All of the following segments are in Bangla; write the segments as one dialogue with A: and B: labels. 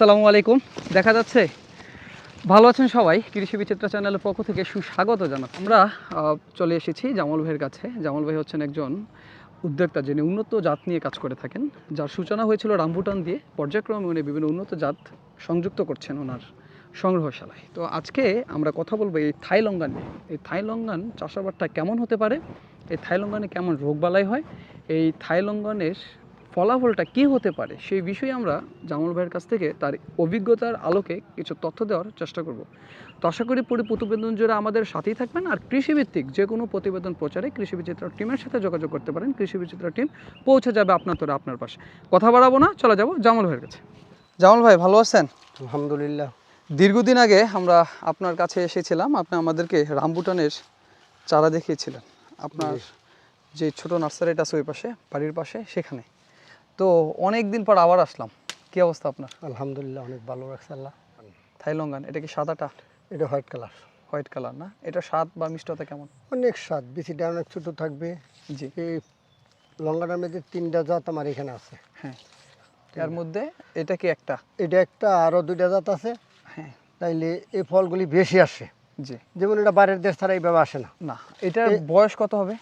A: আসসালামু আলাইকুম। দেখা যাচ্ছে ভালো আছেন সবাই। কৃষি বিচিত্রা চ্যানেলের পক্ষ থেকে সুস্বাগত জানাচ্ছি। আমরা চলে এসেছি জামাল ভাইয়ের কাছে। জামাল ভাই হচ্ছেন একজন উদ্যোক্তা, যিনি উন্নত জাত নিয়ে কাজ করে থাকেন, যার সূচনা হয়েছিল রামবুটান দিয়ে। পর্যায়ক্রমে উনি বিভিন্ন উন্নত জাত সংযুক্ত করছেন ওনার সংগ্রহশালায়। তো আজকে আমরা কথা বলবো এই থাই লঙ্গান নিয়ে। এই থাই লঙ্গান চাষাবাদটা কেমন হতে পারে, এই থাই লঙ্গানে কেমন রোগবালাই হয়, এই থাই লঙ্গানের ফলাফলটা কী হতে পারে, সেই বিষয়ে আমরা জামাল ভাইয়ের কাছ থেকে তার অভিজ্ঞতার আলোকে কিছু তথ্য দেওয়ার চেষ্টা করব। তো আশা করি পুরো প্রতিবেদন জুড়ে আমাদের সাথেই থাকবেন। আর কৃষিভিত্তিক যে কোনো প্রতিবেদন প্রচারে কৃষি বিচিত্রা টিমের সাথে যোগাযোগ করতে পারেন। কৃষি বিচিত্রা টিম পৌঁছে যাবে আপনার তোরা আপনার পাশে। কথা বাড়াবো না, চলে যাব জামাল ভাইয়ের কাছে। জামাল ভাই, ভালো আছেন?
B: আলহামদুলিল্লাহ।
A: দীর্ঘদিন আগে আমরা আপনার কাছে এসেছিলাম, আপনি আমাদেরকে রামবুটানের চারা দেখিয়েছিলেন। আপনার যে ছোট নার্সারিটা আছে ওই পাশে, বাড়ির পাশে, সেখানে। তো অনেক দিন পর আবার আসলাম। কি অবস্থা আপনার?
B: আলহামদুলিল্লাহ, অনেক ভালো রাখছে আল্লাহ।
A: থাই লঙ্গান, এটা কি সাদাটা?
B: এটা হোয়াইট কালার।
A: হোয়াইট কালার না? এটা স্বাদ বা মিষ্টতা কেমন?
B: অনেক স্বাদ, বিচিটা অনেক ছোট থাকবে।
A: জি।
B: এই লঙ্কাটার মধ্যে 3টা জাত আমার এখানে আছে।
A: হ্যাঁ, এর মধ্যে এটা কি একটা?
B: এটা একটা, আরও 2টা জাত আছে।
A: হ্যাঁ।
B: তাইলে এই ফলগুলি বেশি আসে।
A: জি।
B: যেমন এটা বাইরের দেশ ছাড়া এইভাবে আসে না।
A: না, এটার বয়স কত হবে?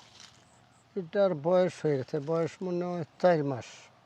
B: এটার বয়স হয়ে গেছে, বয়স মনে হয় 4 মাস।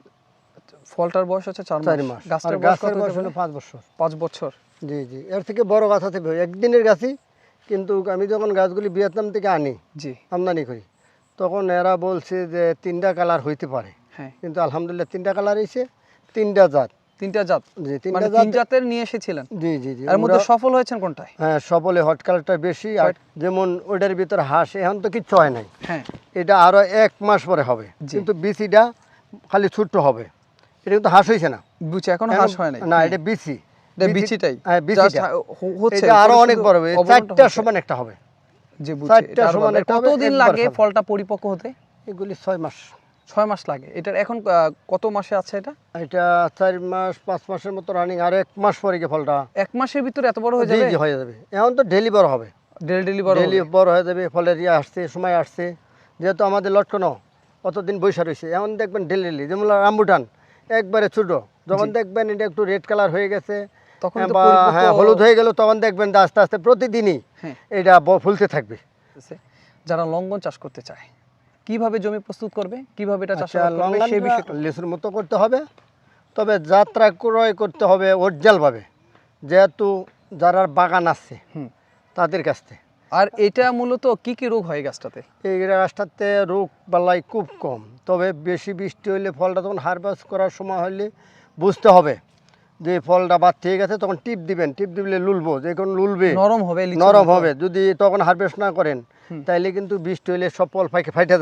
A: ফলটার বয়স হচ্ছে 4
B: মাস।
A: গাছটার
B: আর
A: বয়স
B: গাছের বয়স
A: কত?
B: হলো 5 বছর।
A: 5 বছর।
B: জি জি, এর থেকে বড় গাছ আছে একদিনের গাছই। কিন্তু আমি যখন গাছগুলি ভিয়েতনাম থেকে আনি,
A: জি,
B: আমদানি করি, তখন এরা বলছে যে 3টা কালার হইতে পারে।
A: হ্যাঁ।
B: কিন্তু আলহামদুলিল্লাহ 3টা কালার হয়েছে, 3টা জাত।
A: 3টা জাত?
B: জি,
A: মানে
B: 3টা
A: 3 জাতের নিয়ে এসেছিলেন?
B: জি জি জি।
A: এর মধ্যে সফল হয়েছেন কোনটায়?
B: হ্যাঁ, সফলে হট কালারটা বেশি। আর যেমন ওইটার ভিতর হাঁস এখন তো কিচ্ছু হয় নাই।
A: হ্যাঁ।
B: এটা আরো 1 মাস পরে হবে, কিন্তু বিচিটা খালি ছোট্ট হবে। এটা কিন্তু হাঁস হয়েছে না,
A: বুঝছি, এখনো হাঁস হয় নাই।
B: না, এটা বিচি।
A: এটা বিচিটাই?
B: হ্যাঁ, বিচিটা
A: হচ্ছে।
B: এটা আরো অনেক বড় হবে, 4টার সমান একটা হবে।
A: জি, বুঝছি।
B: 4টার সমান একটা হবে।
A: কতদিন লাগে ফলটা পরিপক্ক হতে?
B: এগুলি 6 মাস।
A: 6 মাস লাগে। এটার এখন কত মাসে আছে এটা?
B: এটা 4 মাস 5 মাসের মতো রানিং। আর 1 মাস পরে গিয়ে ফলটা
A: 1 মাসের ভিতরে এত বড় হয়ে যাবে?
B: জি, হয়ে যাবে। এখন তো ডেলি বড় হবে।
A: ডেলি বড় হবে?
B: ডেলি বড় হয়ে যাবে। ফলের আসছে, সময় আসছে। যেহেতু আমাদের লটকনো অতদিন বৈশা রয়েছে, এখন দেখবেন ডেলি। যেমন রামবুটান একবারে ছোট, যখন দেখবেন এটা একটু রেড কালার হয়ে গেছে,
A: তখন
B: বা হ্যাঁ হলুদ হয়ে গেল, তখন দেখবেন আস্তে আস্তে প্রতিদিনই এটা ফুলতে থাকবে।
A: যারা লঙ্ঘন চাষ করতে চায়, কিভাবে জমি প্রস্তুত করবে, কিভাবে এটা চাষ করবে,
B: সেই বিষয়টা লিচুর মতো করতে হবে। তবে যাত্রা ক্রয় করতে হবে অরিজিনালভাবে, যেহেতু যারা বাগান আছে তাদের কাছ থেকে।
A: আর এটা মূলত কি কি রোগ হয় গাছটাতে?
B: এই গাছটাতে রোগ বালাই খুব কম। তবে বেশি বৃষ্টি হইলে ফলটা তখন হারভেস্ট করার সময় হলে বুঝতে হবে যে ফলটা বাদ থেকে গেছে, তখন টিপ দিবেন। টিপ দিলে লুলবো, যে কোন লুলবে, নরম হবে। যদি তখন হারভেস্ট না করেন তাইলে কিন্তু বৃষ্টি হইলে সব ফল ফাইটে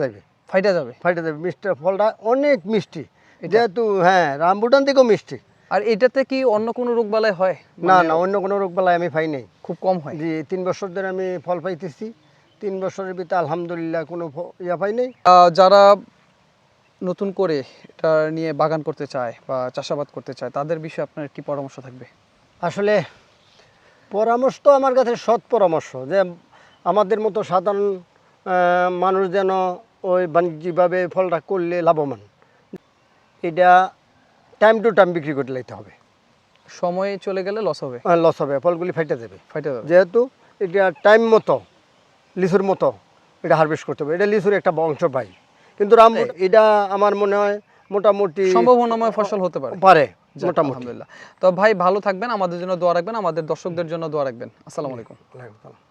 B: যাবে। মিষ্টি ফলটা অনেক মিষ্টি, যেহেতু হ্যাঁ রামবুটান থেকেও মিষ্টি।
A: আর এটাতে কি অন্য কোনো রোগ বালাই হয়?
B: না, অন্য কোনো রোগ বালাই আমি পাই নাই,
A: খুব কম হয়।
B: জি, 3 বছর ধরে আমি ফল পাইতেছি। 3 বছরের ভিতরে আলহামদুলিল্লাহ কোনো পাই নাই।
A: যারা নতুন করে এটা নিয়ে বাগান করতে চায় বা চাষাবাদ করতে চায়, তাদের বিষয়ে আপনার কি পরামর্শ থাকবে?
B: আসলে পরামর্শ তো আমার কাছে সৎ পরামর্শ, যে আমাদের মতো সাধারণ মানুষ যেন ওই বাণিজ্যিকভাবে ফলটা করলে লাভবান। এটা টাইম টু টাইম বিক্রি করতে লাইতে হবে।
A: সময় চলে গেলে লস হবে।
B: লস হবে, ফলগুলি ফাইটে যাবে।
A: যেহেতু
B: এটা টাইম মতো লিচুর মতো এটা হারভেস্ট করতে হবে। এটা লিচুর একটা বংশ পাই, কিন্তু এটা আমার মনে হয় মোটামুটি
A: সম্ভাবনাময় ফসল হতে পারে
B: মোটামুটি।
A: আলহামদুলিল্লাহ। তো ভাই, ভালো থাকবেন, আমাদের জন্য দোয়া রাখবেন, আমাদের দর্শকদের জন্য দোয়া রাখবেন। আসসালামু আলাইকুম।